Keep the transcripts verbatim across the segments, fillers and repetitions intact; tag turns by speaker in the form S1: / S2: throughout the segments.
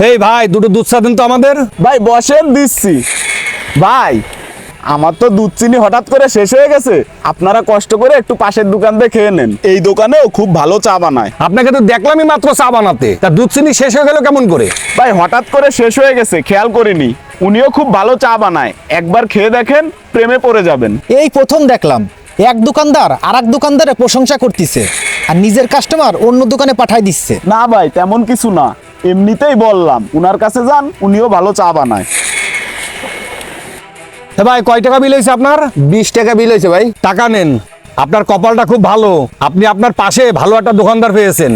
S1: এই ভাই দুটো দুধ চা দিন তো আমাদের।
S2: ভাই বসেন, দিচ্ছি। ভাই আমার তো দুধ চিনি হঠাৎ করে শেষ হয়ে গেছে, আপনারা কষ্ট করে একটু পাশের দোকান থেকে খেয়ে নেন, এই দোকানেও খুব ভালো চা বানায়।
S1: আপনাকে তো দেখলামই মাত্র চা বানাতে, তা দুধ চিনি শেষ হয়ে গেল কেমন করে?
S2: ভাই হঠাৎ করে শেষ হয়ে গেছে, খেয়াল করিনি। উনিও খুব ভালো চা বানায়, একবার খেয়ে দেখেন, প্রেমে পড়ে যাবেন।
S3: এই প্রথম দেখলাম এক দোকানদার আর এক দোকানদারের প্রশংসা করতেছে আর নিজের কাস্টমার অন্য দোকানে পাঠাই দিচ্ছে।
S2: না ভাই তেমন কিছু না, এমনিতেই বললাম উনার কাছে যান, উনিও ভালো চা বানায়।
S1: হে ভাই কয় টাকা বিল হয়েছে আপনার?
S4: বিশ টাকা বিল হয়েছে ভাই।
S1: টাকা নেন। আপনার কপালটা খুব ভালো, আপনি আপনার পাশে ভালো একটা দোকানদার পেয়েছেন।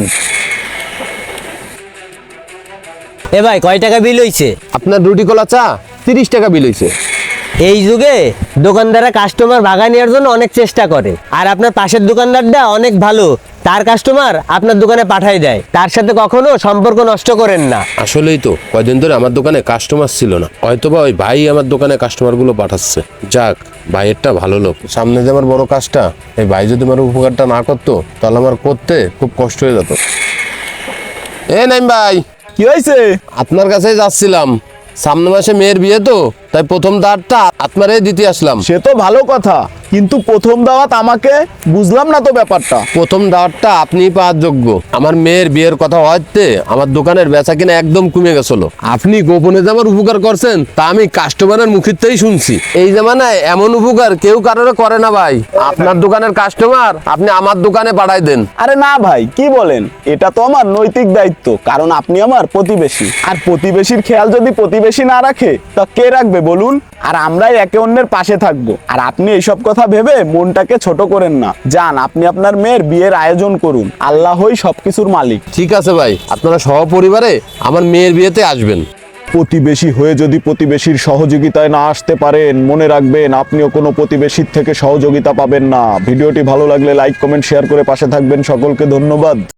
S5: এ ভাই কয় টাকা বিল হইছে?
S4: আপনার রুটি কলা চা তিরিশ টাকা বিল হয়েছে।
S5: এই যুগে দোকানদাররা কাস্টমার ভাগা নেওয়ার জন্য অনেক চেষ্টা করে, আর আপনার পাশের দোকানদারটা অনেক ভালো, তার কাস্টমার আপনার দোকানে পাঠাই দেয়। তার সাথে কখনো সম্পর্ক নষ্ট করেন না।
S4: আসলেই তো কয়দিন ধরে আমার দোকানে কাস্টমার ছিল না, হয়তোবা ওই ভাই আমার দোকানে কাস্টমারগুলো পাঠাচ্ছে। যাক, ভাইয়েরটা ভালো লোক। সামনে যে আমার বড় কাজটা, এই ভাই যদি আমার উপকারটা না করতো তাহলে আমার করতে খুব কষ্ট হয়ে যেত। এ নাইম ভাই,
S2: কি হয়েছে?
S4: আপনার কাছে যাচ্ছিলাম, সামনে মাসে মেয়ের বিয়ে তো, তাই প্রথম দাঁড়টা আপনারে দিতে আসলাম।
S2: সে তো ভালো কথা, কিন্তু প্রথম দাওয়াত আমাকে, বুঝলাম না তো ব্যাপারটা।
S4: প্রথম দাওয়াতটা আপনিই পাওয়ার যোগ্য। আমার মেয়ের বিয়ের কথা হওয়াতে আমার দোকানের বেচা কিনা একদম কমে গেছিল। আপনি গোপনে যে আমার উপকার করছেন তা আমি কাস্টমারের মুখেতেই শুনছি। এই জামানায় এমন উপকার কেউ কারোর করে না ভাই। আপনার দোকানের কাস্টমার আপনি আমার দোকানে পাঠাই দেন।
S2: আরে না ভাই, কি বলেন, এটা তো আমার নৈতিক দায়িত্ব, কারণ আপনি আমার প্রতিবেশী, আর প্রতিবেশীর খেয়াল যদি প্রতিবেশী না রাখে তা কে রাখবে বলুন? আর আমরাই একে অন্যের পাশে থাকবো। আর আপনি এইসব কথা ভেবে মনটাকে ছোট করেন না, যান আপনি আপনার মেয়ের বিয়ের আয়োজন করুন, আল্লাহই সবকিছুর মালিক।
S4: ঠিক আছে ভাই, আপনারা সহপরিবারে আমার মেয়ের বিয়েতে আসবেন।
S2: প্রতিবেশী হয়ে যদি প্রতিবেশীর সহযোগিতায় না আসতে পারেন, মনে রাখবেন আপনিও কোনো প্রতিবেশীর থেকে সহযোগিতা পাবেন না। ভিডিওটি ভালো লাগলে লাইক কমেন্ট শেয়ার করে পাশে থাকবেন। সকলকে ধন্যবাদ।